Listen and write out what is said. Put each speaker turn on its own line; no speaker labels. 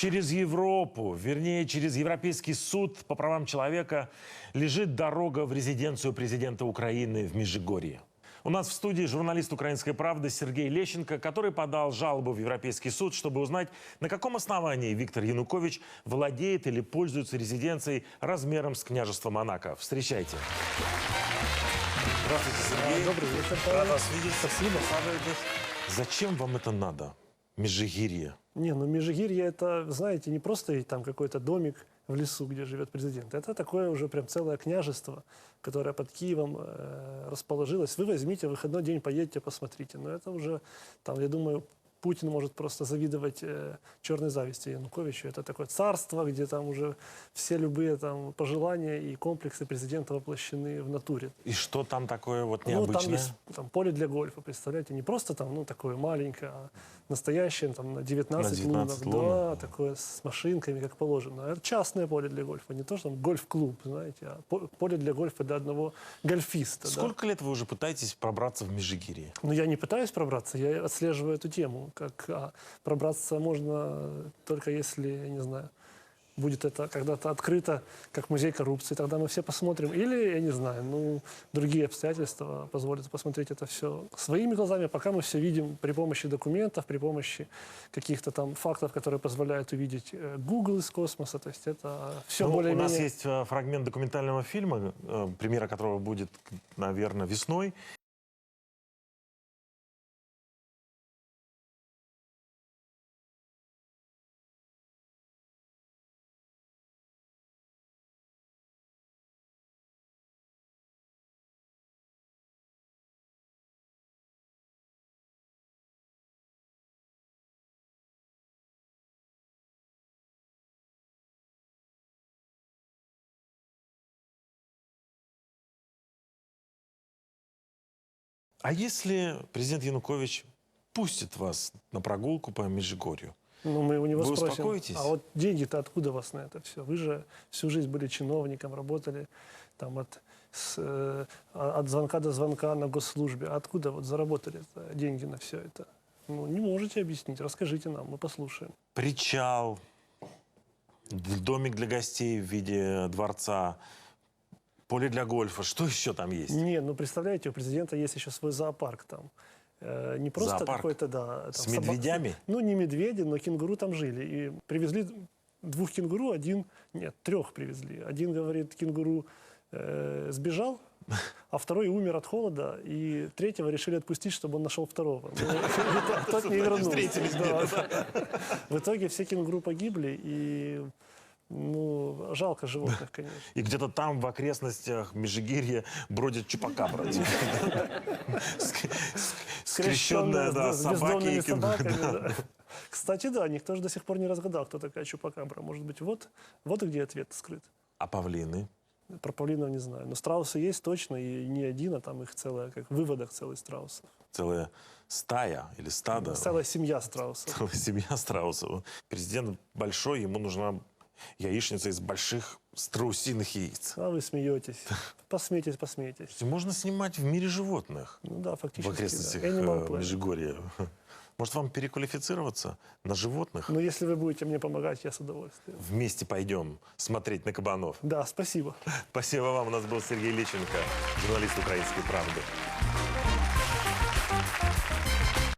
Через Европу, вернее, через Европейский суд по правам человека лежит дорога в резиденцию президента Украины в Межигорье. У нас в студии журналист «Украинской правды» Сергей Лещенко, который подал жалобу в Европейский суд, чтобы узнать, на каком основании Виктор Янукович владеет или пользуется резиденцией размером с княжество Монако. Встречайте. Здравствуйте, Сергей.
Добрый вечер.
Рад вас видеть.
Спасибо.
Присаживайтесь. Зачем вам это надо, Межигирье?
Не, ну Межигирье это, знаете, не просто там какой-то домик в лесу, где живет президент. Это такое уже прям целое княжество, которое под Киевом расположилось. Вы возьмите, в выходной день поедете, посмотрите. Но это уже, там, я думаю, Путин может просто завидовать черной зависти Януковичу. Это такое царство, где там уже все любые там пожелания и комплексы президента воплощены в натуре.
И что там такое вот
Ну,
необычное?
там есть там, поле для гольфа, представляете? Не просто там, ну, такое маленькое, а настоящее, там, на 19 лунок. Да, такое с машинками, как положено. Это частное поле для гольфа, не то, что там гольф-клуб, знаете, а поле для гольфа для одного гольфиста.
Сколько лет вы уже пытаетесь пробраться в Межигирье?
Ну, я не пытаюсь пробраться, я отслеживаю эту тему. Пробраться можно только если, я не знаю, будет это когда-то открыто, как музей коррупции, тогда мы все посмотрим. Или, я не знаю, ну, другие обстоятельства позволят посмотреть это все своими глазами, пока мы все видим при помощи документов, при помощи каких-то там фактов, которые позволяют увидеть Google из космоса. То есть это все более-менее...
У нас есть фрагмент документального фильма, премьера которого будет, наверное, весной. А если президент Янукович пустит вас на прогулку по Межигорью?
Ну, мы у него
Вы
спросим,
успокоитесь?
а вот деньги-то откуда у вас на это все? Вы же всю жизнь были чиновником, работали там от звонка до звонка на госслужбе. А откуда вот заработали деньги на все это? Ну, не можете объяснить, расскажите нам, мы послушаем.
Причал, домик для гостей в виде дворца, поле для гольфа. Что еще там есть?
Не, ну представляете, у президента есть еще свой зоопарк там. Не просто
Зоопарк?
какой-то, да. Там,
С медведями?
Ну, не медведи, но кенгуру там жили. И привезли 2 кенгуру, 3 привезли. Один, говорит, кенгуру сбежал, а второй умер от холода, и 3-го решили отпустить, чтобы он нашел 2-го. Тот не вернулся. В итоге все кенгуру погибли, и... Ну, жалко животных, конечно.
И где-то там, в окрестностях Межигирья, бродит чупакабра. Скрещенная, да,
с
собаки и
бездомными собаками.
кенгуру.
Да. Кстати, да, никто же до сих пор не разгадал, кто такая чупакабра. Может быть, вот где ответ скрыт.
А павлины?
Про павлинов не знаю. Но страусы есть точно, и не один, а там их целая, как выводок целый страусов.
Целая стая или стадо?
Целая семья страусов.
Целая семья страусов. Президент большой, ему нужна яичница из больших страусиных яиц.
А вы смеетесь. Посмейтесь, посмейтесь.
Можно снимать в мире животных.
Ну да, фактически.
В окрестностях
да. Animal Planet.
Межигорья. Может, вам переквалифицироваться на животных?
Но если вы будете мне помогать, я с удовольствием.
Вместе пойдем смотреть на кабанов.
Да, спасибо.
Спасибо вам. У нас был Сергей Лещенко, журналист «Украинской правды».